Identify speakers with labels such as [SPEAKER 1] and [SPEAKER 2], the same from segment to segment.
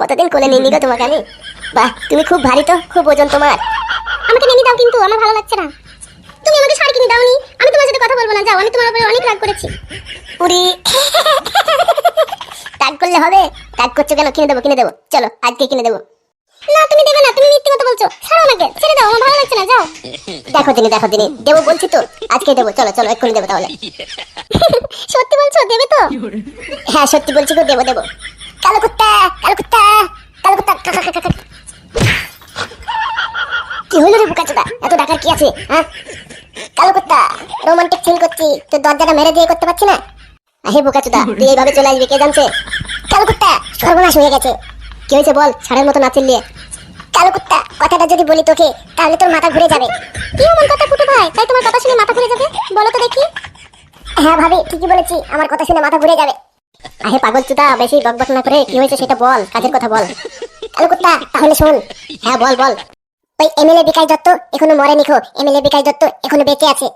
[SPEAKER 1] কতদিন কোলে নিয়ে নিগো তোমাকে আমি। বাহ, তুমি খুব ভারী তো, খুব ওজন তোমার। আমাকে নিয়ে দাও, কিন্তু আমার ভালো লাগছে না। তুমি আমাকে শাড়ি কিনে দাওনি, আমি তোমার সাথে কথা বলবো না, যাও। আমি তোমার উপরে অনেক রাগ করেছি। উরি, রাগ করলে হবে? রাগ করছো কেন? কিনে দেবো, কিনে দেবো, চলো আজকে কিনে দেবো। না তুমি দেবে না, তুমি মিথ্যে কথা বলছো। ছাড়ো আমাকে, ছেড়ে দাও, আমার ভালো লাগছে না, যাও। দেখো দিনি, দেখো দিনি, দেবো বলছি তো, আজকে দেবো। চলো চলো, এক্ষুনি দেবো তাহলে। সত্যি বলছো, দেবে তো? হ্যাঁ সত্যি বলছি তো, দেবো দেবো। কালো কুত্তা, কালো কুত্তা, কালো কুত্তা। কি হলো রে বোকাচোদা, এত ডাকার কি আছে? হ্যাঁ কালো কুত্তা, রোমান্টিক সিন করছি, তোর দরজাটা মেরে দিয়ে করতে পারছি না। হে বোকাচোদা, তুই এইভাবে চলে আসবি, কে জানছে? কালো কুত্তা, সর্বনাশ হয়ে গেছে। কি হয়েছে বল, ষাঁড়ের মতো না চিল্লিয়ে। কালো কুত্তা, কথাটা যদি বলি তোকে, তাহলে তোর মাথা ঘুরে যাবে। কি এমন কথা ফুটু ভাই, তাই তোমার কথা শুনে মাথা ঘুরে যাবে? বলো তো দেখি। হ্যাঁ ভাবি, ঠিকই বলেছি, আমার কথা শুনে মাথা ঘুরে যাবে। আহে পাগল চুদা, বেশি বকবক না করে কি হয়েছে সেটা বল, কাজের কথা বল। কালো কুত্তা, তাহলে শোন। হ্যাঁ বল বল। ওই এমএলএ বিকাশ দত্ত এখনো মরেনি খো, এমএলএ বিকাশ দত্ত এখনো বেঁচে আছে।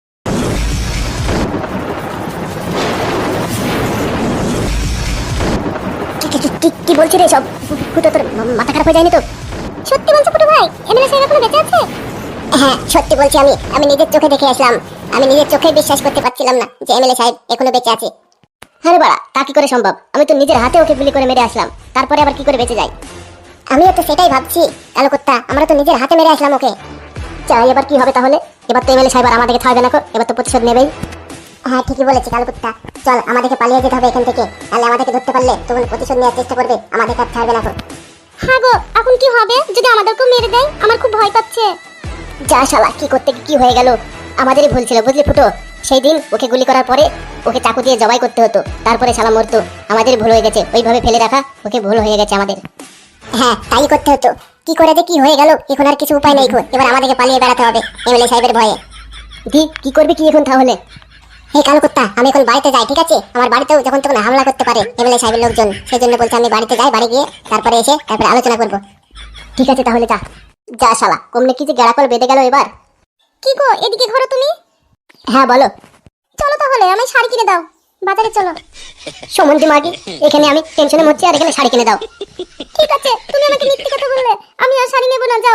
[SPEAKER 1] কি বলছিস রে সব? ফুটো, তোর মাথা খারাপ হয়ে যায়নি তো? সত্যি বলছো ফুটো ভাই, এমএলএ সাহেব এখনো বেঁচে আছে? হ্যাঁ সত্যি বলছি, আমি নিজের চোখে দেখে আসলাম। আমি নিজের চোখে বিশ্বাস করতে পারছিলাম না যে এমএলএ সাহেব এখনো বেঁচে আছে। আরে বাড়া, তা কি করে সম্ভব? আমি তো নিজের হাতে ওকে গুলি করে মেরে আসলাম, তারপরে আবার কি করে বেঁচে যায়? আমিও তো সেটাই ভাবছি কালো কুত্তা, আমরা তো নিজের হাতে মেরে আসলাম ওকে। চাই এবার কি হবে তাহলে? এবার তো এমএলএ সাহেব আর আমাদেরকে থাকবে না, এবার তো প্রতিশোধ নেবেই। হ্যাঁ ঠিকই বলেছি কালো কুত্তা, চল আমাদেরকে পালিয়ে যেতে হবে এখান থেকে, তাহলে আমাদেরকে ধরতে পারলে তখন প্রতিশোধ নেওয়ার চেষ্টা করবে, আমাদের কাছে ছাড়বে না। হ্যাঁ গো, এখন কি হবে যদি আমাদেরকেও মেরে দেয়? আমার খুব ভয় পাচ্ছে। যা শালা, কি করতে কি হয়ে গেল? আমাদেরই ভুল ছিল বুঝলি ফুটো। সেই দিন ওকে গুলি করার পরে ওকে চাকু দিয়ে জবাই করতে হতো, তারপরে শালা মরতো। আমাদের ভুল হয়ে গেছে, ওইভাবে ফেলে রাখা ওকে ভুল হয়ে গেছে আমাদের। হ্যাঁ তাই করতে হতো, কি করে যে কি হয়ে গেল, এখন আর কিছু উপায় নেই। এবার আমাদেরকে পালিয়ে বেড়াতে হবে এমএলএ সাহেবের ভয়ে। দি কি করবে কি এখন তাহলে? হে কালো কুত্তা, আমি এখন বাড়িতে যাই, ঠিক আছে? আমার বাড়িতেও যখন তখন হামলা করতে পারে এমএলএ সাহেবের লোকজন, সেই জন্য বলছি আমি বাড়িতে যাই, বাড়ি গিয়ে তারপরে এসে তারপরে আলোচনা করব। ঠিক আছে তাহলে যা। যা শালা, কমনে কি যে গেড়াকল বেঁধে গেল এবার। কি গো, এদিকে ঘোরো তুমি? হ্যাঁ বলো। চলো তাহলে, আমি শাড়ি কিনে দাও, বাজারে চলো। সমন্দি মাগি, এখানে আমি টেনশনে মরছি আর এখানে শাড়ি কিনে দাও। ঠিক আছে, তুমি আমাকে মিথ্যে কথা বললে, আমি আর শাড়ি নেব না, যাও।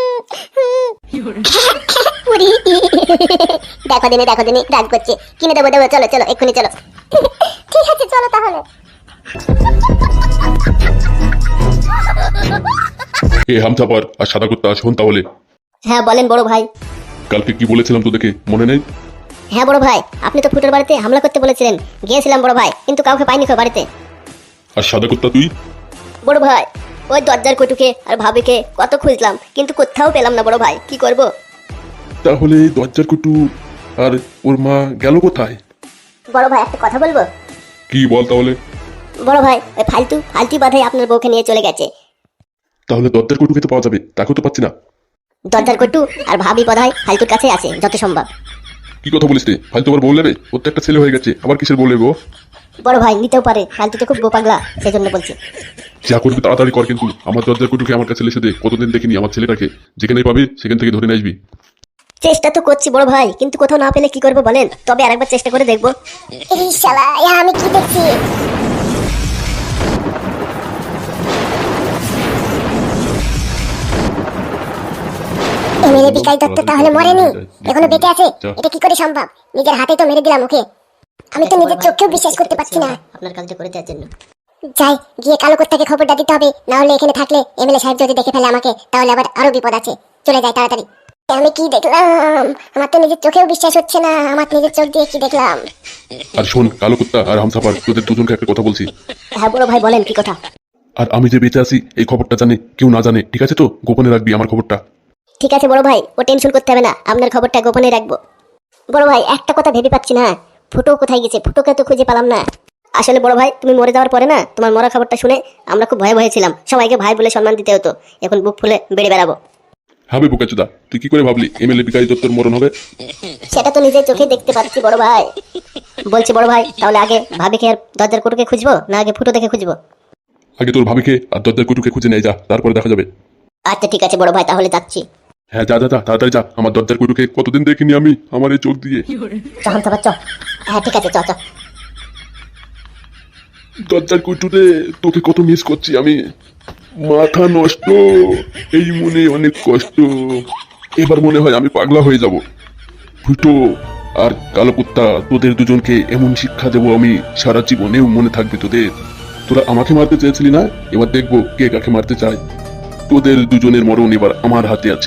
[SPEAKER 1] দেখো দিনে রাগ করছে। কিনে দেবো দেবো, চলো চলো এক্ষুনি চলো। ঠিক আছে চলো তাহলে।
[SPEAKER 2] এ হামচাপার আর সাদা কুত্তা, শোন তাহলে।
[SPEAKER 1] হ্যাঁ বলেন বড় ভাই।
[SPEAKER 2] কালকে কি বলেছিলাম তোদেরকে মনে নেই?
[SPEAKER 1] হ্যাঁ বড় ভাই, আপনি তো ফুটোর বাড়িতে হামলা করতে বলেছিলেন, গিয়েছিলাম বড় ভাই, কিন্তু কাউকে পাইনি খো বাড়িতে।
[SPEAKER 2] আর সাদা কুত্তা তুই?
[SPEAKER 1] বড় ভাই, ওই দরজার কটুকে আর ভাবিকে কত খুঁজলাম, কিন্তু কোথাও পেলাম না বড় ভাই, কি করব?
[SPEAKER 2] তাহলে দরজার কুটু আর ওর মা গেল কোথায়?
[SPEAKER 1] বড় ভাই একটা কথা বলবো?
[SPEAKER 2] কি বল তাহলে।
[SPEAKER 1] বড় ভাই, ওই ফালতু বাধাই আপনার বউকে নিয়ে চলে গেছে।
[SPEAKER 2] তাহলে দরজার কুটুকে তো পাওয়া যাবে, তাকেও তো পাচ্ছি না।
[SPEAKER 1] দরজার কটু আর ভাবি বাধাই ফালতুর কাছে আছে যত সম্ভব।
[SPEAKER 2] কি কথা বলিস রে? ফালতু আবার বউ নেবে? ওর তো একটা ছেলে হয়ে গেছে, আবার কিসের বউ নেবো?
[SPEAKER 1] বড় ভাই নিতেও পারে, ফালতু তো খুব বোপাগলা, সেই জন্য বলছি।
[SPEAKER 2] যা করবি তাড়াতাড়ি কর, কিন্তু আমার দরজার কুটুকে আমার কাছে এসে দে। কতদিন দেখিনি আমার ছেলেটাকে, যেখানে পাবি সেখান থেকে ধরে নিয়ে আসবি।
[SPEAKER 1] চেষ্টা তো করছি বড় ভাই, কিন্তু কোথাও না পেলে কি করবো বলেন? তবে আরেকবার চেষ্টা করে দেখবো। এই শালা, আমি কি দেখছি? এমএলএ বিকাশ দত্ত তাহলে মরেনি, এখনো বেঁচে আছে? এটা কি করে সম্ভব? নিজের হাতে তো মেরে দিলাম ওকে, আমি তো নিজের চোখেও বিশ্বাস করতে পারছি না। আপনার কাজটা করে দেওয়ার জন্য যাই, গিয়ে কালো কুত্তাকে খবরটা দিতে হবে, না হলে এখানে থাকলে এমএলএ সাহেব যদি দেখে ফেলে আমাকে, তাহলে আবার আরো বিপদ আছে। চলে যাই তাড়াতাড়ি। আমি কি দেখলাম? আমার তো নিজের চোখেও বিশ্বাস হচ্ছে না, আমার নিজের চোখ দিয়ে কি দেখলাম।
[SPEAKER 2] আর শোন কালো কুত্তা আর হামসাপার, তোদের দুজনকে একটা কথা বলছি।
[SPEAKER 1] হ্যাঁ বড় ভাই বলেন, কি কথা?
[SPEAKER 2] আর আমি যে বেঁচে আছি এই খবরটা জানে কেউ না জানে, ঠিক আছে তো? গোপনে রাখবি আমার খবরটা।
[SPEAKER 1] ঠিক আছে বড় ভাই, ও টেনশন করতে হবে না, আপনার খবরটা গোপনে রাখবো। বড় ভাই একটা কথা ভেবে পাচ্ছি না, ফুটো কোথায় গেছে? ফুটোকে তো খুঁজে পেলাম না। আসলে বড় ভাই, তুমি মরে যাওয়ার পরে না, তোমার মরা খবরটা শুনে আমরা খুব ভয়ে ছিলাম, সবাইকে ভাই বলে সম্মান দিতে হতো, এখন বুক ফুলে বেড়ে বেড়াবো।
[SPEAKER 2] হবে বোকাচোদা, তুই কি করে ভাবলি এমএলএ বিকাশ দত্তর মরণ হবে?
[SPEAKER 1] সেটা তো নিজের চোখে দেখতে পাচ্ছি বড় ভাই। বলছি বড় ভাই, তাহলে আগে ভাবিকে আর দরজার কটুকে খুঁজবো, না আগে ফুটো দেখে খুঁজবো?
[SPEAKER 2] আগে তোর ভাবিকে আর দরজার কুটুকে খুঁজে নিয়ে যা, তারপরে দেখা যাবে।
[SPEAKER 1] আচ্ছা ঠিক আছে বড় ভাই, তাহলে যাচ্ছি।
[SPEAKER 2] হ্যাঁ যা যা যা, তাড়াতাড়ি যা। আমার দরজার কুটুকে কতদিন দেখিনি আমি আমার এই চোখ দিয়ে।
[SPEAKER 1] চল তো বাচ্চা। হ্যাঁ ঠিক আছে, চ চ।
[SPEAKER 2] দরজার কুটুরে তোকে কত মিস করছি আমি। মাথা নষ্ট, এই মনে অনেক কষ্ট। এবার মনে হয় আমি পাগলা হয়ে যাব। ফুটো আর কালো কুত্তা, তোদের দুজনকে এমন শিক্ষা দেবো আমি, সারা জীবনেও মনে থাকবে তোদের। তোরা আমাকে মারতে চেয়েছিলি না, এবার দেখবো কে কাকে মারতে চায়। তোদের দুজনের মরণ এবার আমার হাতে আছে।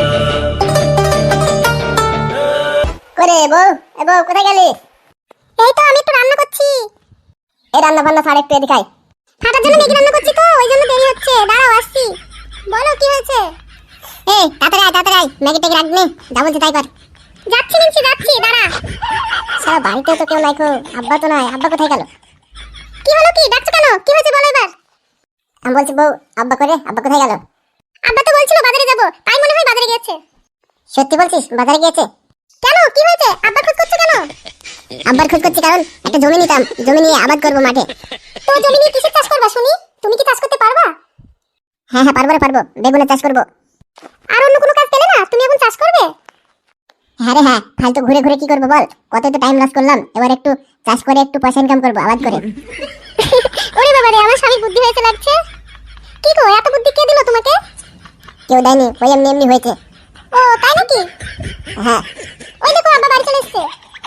[SPEAKER 1] করে বউ, এ বউ কোথায় গেলি? এই তো আমি একটু রান্না করছি। এই রান্না বান্না ছাড়, একটু এদিকে আয়। ফাটার জন্য ম্যাগি রান্না করছি তো, ওই জন্য দেরি হচ্ছে। দাঁড়াও আসছি। বলো কি হয়েছে? এই তাড়াতাড়ি আয়, তাড়াতাড়ি আয়। ম্যাগি ট্যাগি রাখবি, যা বলছি তাই কর। যাচ্ছি নিচ্ছি, যাচ্ছি, দাঁড়া। সারা বাড়িতে তো কেউ নাই গো, আব্বা তো নাই। আব্বা কোথায় গেল? কি হলো, কি ডাকছো কেন? কি হয়েছে বলো এবার। আমি বলছি বউ, আব্বা করে, আব্বা কোথায় গেল? আব্বা তো বলছিল বাজারে যাব, তাই মনে হয় বাজারে গিয়েছে। সত্যি বলছিস বাজারে গিয়েছে? কেন, কি হয়েছে? আব্বার খোঁজ করছো কেন? আব্বার খোঁজ করছি কারণ একটা জমি নিতাম, জমি নিয়ে আবাদ করবো মাঠে। তো জমি নিয়ে কিসের চাষ করবা শুনি? তুমি কি চাষ করতে পারবা? হ্যাঁ হ্যাঁ, পারবো রে পারবো, বেগুনের চাষ করবো। আর অন্য কোনো কাজ পেলে না, তুমি এখন চাষ করবে? হ্যাঁ রে হ্যাঁ, ফালতু ঘুরে ঘুরে কি করবো বল, কত তো টাইম লস করলাম। এবার একটু চাষ করে একটু পয়সা ইনকাম করবো আবাদ করে। ওরে বাবা রে, আমার স্বামীর বুদ্ধি হয়েছে লাগছে। কি গো, এত বুদ্ধি কে দিল তোমাকে? কেউ দেয়নি, ওই এমনি এমনি হয়েছে। ও তাই নাকি? হ্যাঁ, ওই দেখো আব্বা বাড়ি চলে এসেছে।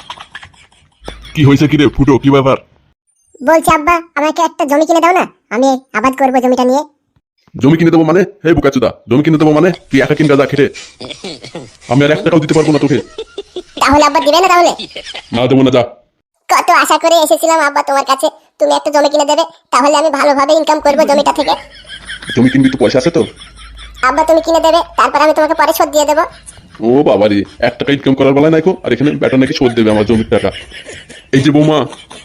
[SPEAKER 2] কি হয়েছে কি রে ফুটো, কি ব্যাপার?
[SPEAKER 1] বলছি আব্বা, আমাকে একটা জমি কিনে দাও না, আমি আবাদ করবো জমিটা নিয়ে।
[SPEAKER 2] জমি কিনে দেবো মানে? হে বুকাচুদা, জমি কিনে দেবো মানে? তুই একা কিনবা যা খেটে। আমি আর 1 টাকাও দিতে পারবো না তোকে।
[SPEAKER 1] তাহলে আব্বা দিবে না? তাহলে
[SPEAKER 2] না দেবো না, যা।
[SPEAKER 1] কত আশা করে এসেছিলাম আব্বা তোমার কাছে, তুমি একটা জমি কিনে দেবে, তাহলে আমি ভালোভাবে ইনকাম করবো জমিটা থেকে।
[SPEAKER 2] জমি কিনবি তো পয়সা আছে তো?
[SPEAKER 1] আব্বা তুমি কিনে দেবে, তারপর আমি তোমাকে পরে শোধ দিয়ে দেবো।
[SPEAKER 2] ও বাবা রে, 1 টাকা ইনকাম করার বেলায় নাইকো, আর এখানে বেটা নাকি শোধ দেবে আমার জমির টাকা। এই যে বৌমা,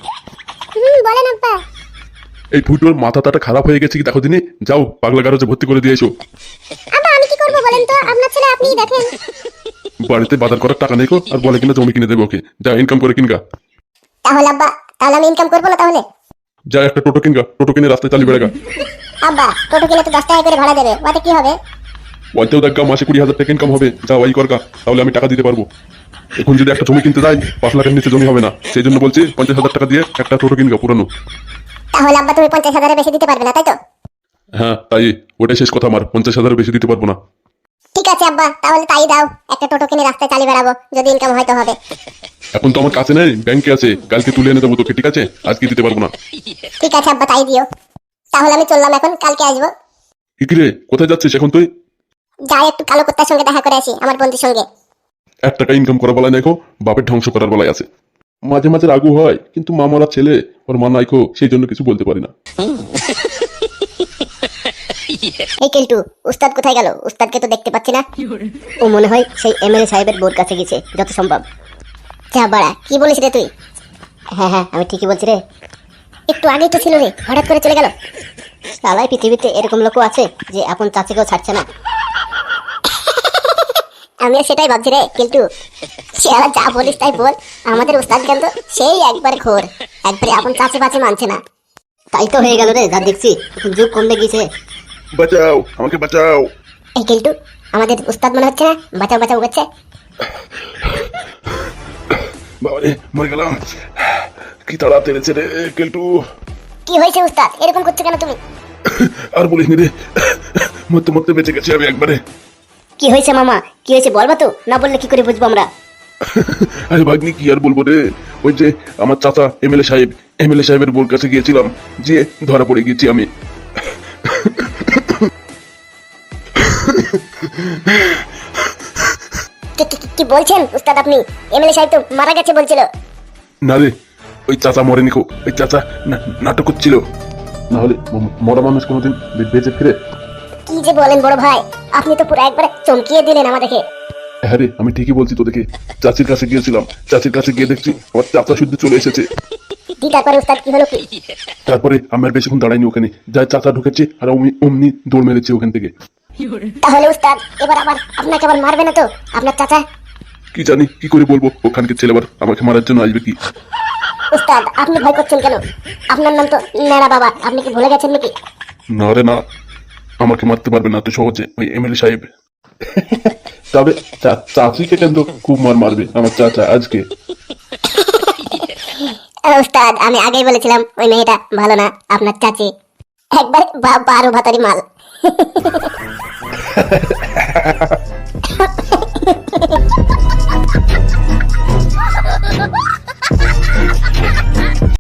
[SPEAKER 1] বলেন আব্বা।
[SPEAKER 2] এই ফুটোর মাথাটা খারাপ হয়ে গেছে কি দেখো দিনে, যাও পাগলা গারজে ভর্তি করে দিয়ে এসো।
[SPEAKER 1] আব্বা আমি কি করবো বলেন তো, আপনার ছেলে আপনিই দেখেন।
[SPEAKER 2] বাড়িতে বাজার করার টাকা নেই কো, আর বলে কিনা জমি কিনে দেবে ওকে। যা ইনকাম করে কিনগা।
[SPEAKER 1] তাহলে আব্বা, তাহলে আমি ইনকাম করবো না তাহলে?
[SPEAKER 2] যা একটা টোটো কিনগা, টোটো কিনে রাস্তায় চালিয়ে বেড়াগা।
[SPEAKER 1] আব্বা টোটো কিনে তো 10 টাকা করে ভাড়া দেবে, ওতে কি হবে?
[SPEAKER 2] বলতেও দেখা মাসে 20,000 টাকা ইনকাম হবে। যা ওই করগা, তাহলে আমি টাকা দিতে পারবো। এখন যদি একটা জমি কিনতে যাই, 5 লাখের নিচে জমি হবে না। সেই জন্য বলছি 50,000 টাকা দিয়ে একটা টোটো কিনগা পুরানো।
[SPEAKER 1] তাহলে আব্বা তুমি 50,000-এর বেশি দিতে পারবে না, তাই তো?
[SPEAKER 2] হ্যাঁ তাই, ওটাই শেষ কথা আমার। 50,000 বেশি দিতে পারবো না।
[SPEAKER 1] ঠিক আছে আব্বা, তাহলে তাই দাও, একটা টোটো কিনে রাস্তায় চালিয়ে বেড়াবো, যদি ইনকাম হয়তো হবে।
[SPEAKER 2] এখন তো আমার কাছে নেই, ব্যাংকে আছে, কালকে তুলে এনে দেবো তোকে, ঠিক আছে? আজকে দিতে পারবো না।
[SPEAKER 1] ঠিক আছে আব্বা, তাই দিও। তাহলে আমি চললাম এখন, কালকে আসবো।
[SPEAKER 2] কি রে, কোথায় যাচ্ছিস এখন তুই?
[SPEAKER 1] যাই একটু কালো কুত্তার সঙ্গে দেখা করে আসি, আমার বন্ধুর সঙ্গে।
[SPEAKER 2] 1 টাকা ইনকাম করার বেলায় নাইকো, বাপের ধ্বংস করার বেলায় আছে। মাঝে মাঝে রাগু হয়, কিন্তু মামারা ছেলে, ওর মা নাইকো, সেই জন্য কিছু বলতে পারি না।
[SPEAKER 1] এই কেলটু, উস্তাদ কোথায় গেল? উস্তাদকে তো দেখতে পাচ্ছি না। ও মনে হয় সেই এমএলএ সাহেবের বোর কাছে গেছে, যত সম্ভব। যা বাড়া, কি বলিস রে তুই? হ্যাঁ হ্যাঁ, আমি ঠিকই বলছি রে। একটু আগেই তো ছিল রে, হঠাৎ করে চলে গেল। সালাই পৃথিবীতে এরকম লোকও আছে যে আপন চাচিকেও ছাড়ছে না। আমিও সেটাই ভাবছি রে কেলটু। সে আর যা বলিস তাই বল, আমাদের উস্তাদ কিন্তু সেই একবারে ঘোর, একবারে আপন চাচি বাচি মানছে না। তাই তো হয়ে গেল রে, যা দেখছি এখন যুগ কমে গিয়েছে।
[SPEAKER 2] বাঁচাও, আমাকে বাঁচাও।
[SPEAKER 1] এই কেলটু, আমাদের উস্তাদ মনে হচ্ছে না বাঁচাও বাঁচাও করছে।
[SPEAKER 2] বাবারে, মরে গেলাম। কি তাড়া তেড়েছে রে কেলটু।
[SPEAKER 1] কি হয়েছে উস্তাদ, এরকম করছো কেন তুমি?
[SPEAKER 2] আর বলিস নি রে, মরতে মরতে বেঁচে গেছি আমি একবারে।
[SPEAKER 1] কি হয়েছে মামা, কি হয়েছে বলবা তো, না বললে কি করে বুঝবো আমরা?
[SPEAKER 2] আরে ভাগ্নি, কি আর বলবো রে, ওই যে আমার চাচা এমএলএ সাহেবের বোর কাছে গিয়েছিলাম, যে ধরা পড়ে গেছি আমি।
[SPEAKER 1] কি বলছেন উস্তাদ আপনি? এমএলএ সাহেব তো মারা গেছে বলছিল।
[SPEAKER 2] না রে, ওই চাচা মরেনি কো, ওই চাচা নাটক করছিল। না হলে মরা মানুষ কোনোদিন বেঁচে ফিরে?
[SPEAKER 1] কি যে বলেন বড় ভাই, আপনি তো পুরো একবারে চমকিয়ে দিলেন আমাদেরকে।
[SPEAKER 2] হ্যাঁ রে, আমি ঠিকই বলছি তোদেরকে। চাচির কাছে গিয়েছিলাম, চাচির কাছে গিয়ে দেখছি আমার চাচা শুদ্ধ চলে এসেছে।
[SPEAKER 1] তারপরে উস্তাদ কি হলো কি?
[SPEAKER 2] তারপরে আমার বেশিক্ষণ দাঁড়াইনি ওখানে, যাই চাচা ঢুকেছে আর অমনি দৌড় মেরেছে ওখান থেকে।
[SPEAKER 1] তাহলে উস্তাদ এবার আবার আপনাকে আবার মারবে না তো আপনার চাচা?
[SPEAKER 2] কি জানি, কি করে বলবো, ওখানকার ছেলে আবার আমাকে মারার জন্য আসবে কি?
[SPEAKER 1] উস্তাদ আপনি ভয় করছেন কেন? আপনার নাম তো নেড়া বাবা, আপনি কি ভুলে গেছেন নাকি?
[SPEAKER 2] না রে না, আমাকে মারতে পারবে না তো সহজে ওই এমএলএ সাহেব। তবে চাচিকে কিন্তু খুব মারবে আমার চাচা আজকে।
[SPEAKER 1] উস্তাদ আমি আগেই বলেছিলাম ওই মেয়েটা ভালো না, আপনার চাচি একবার 12 ভাতারি মাল।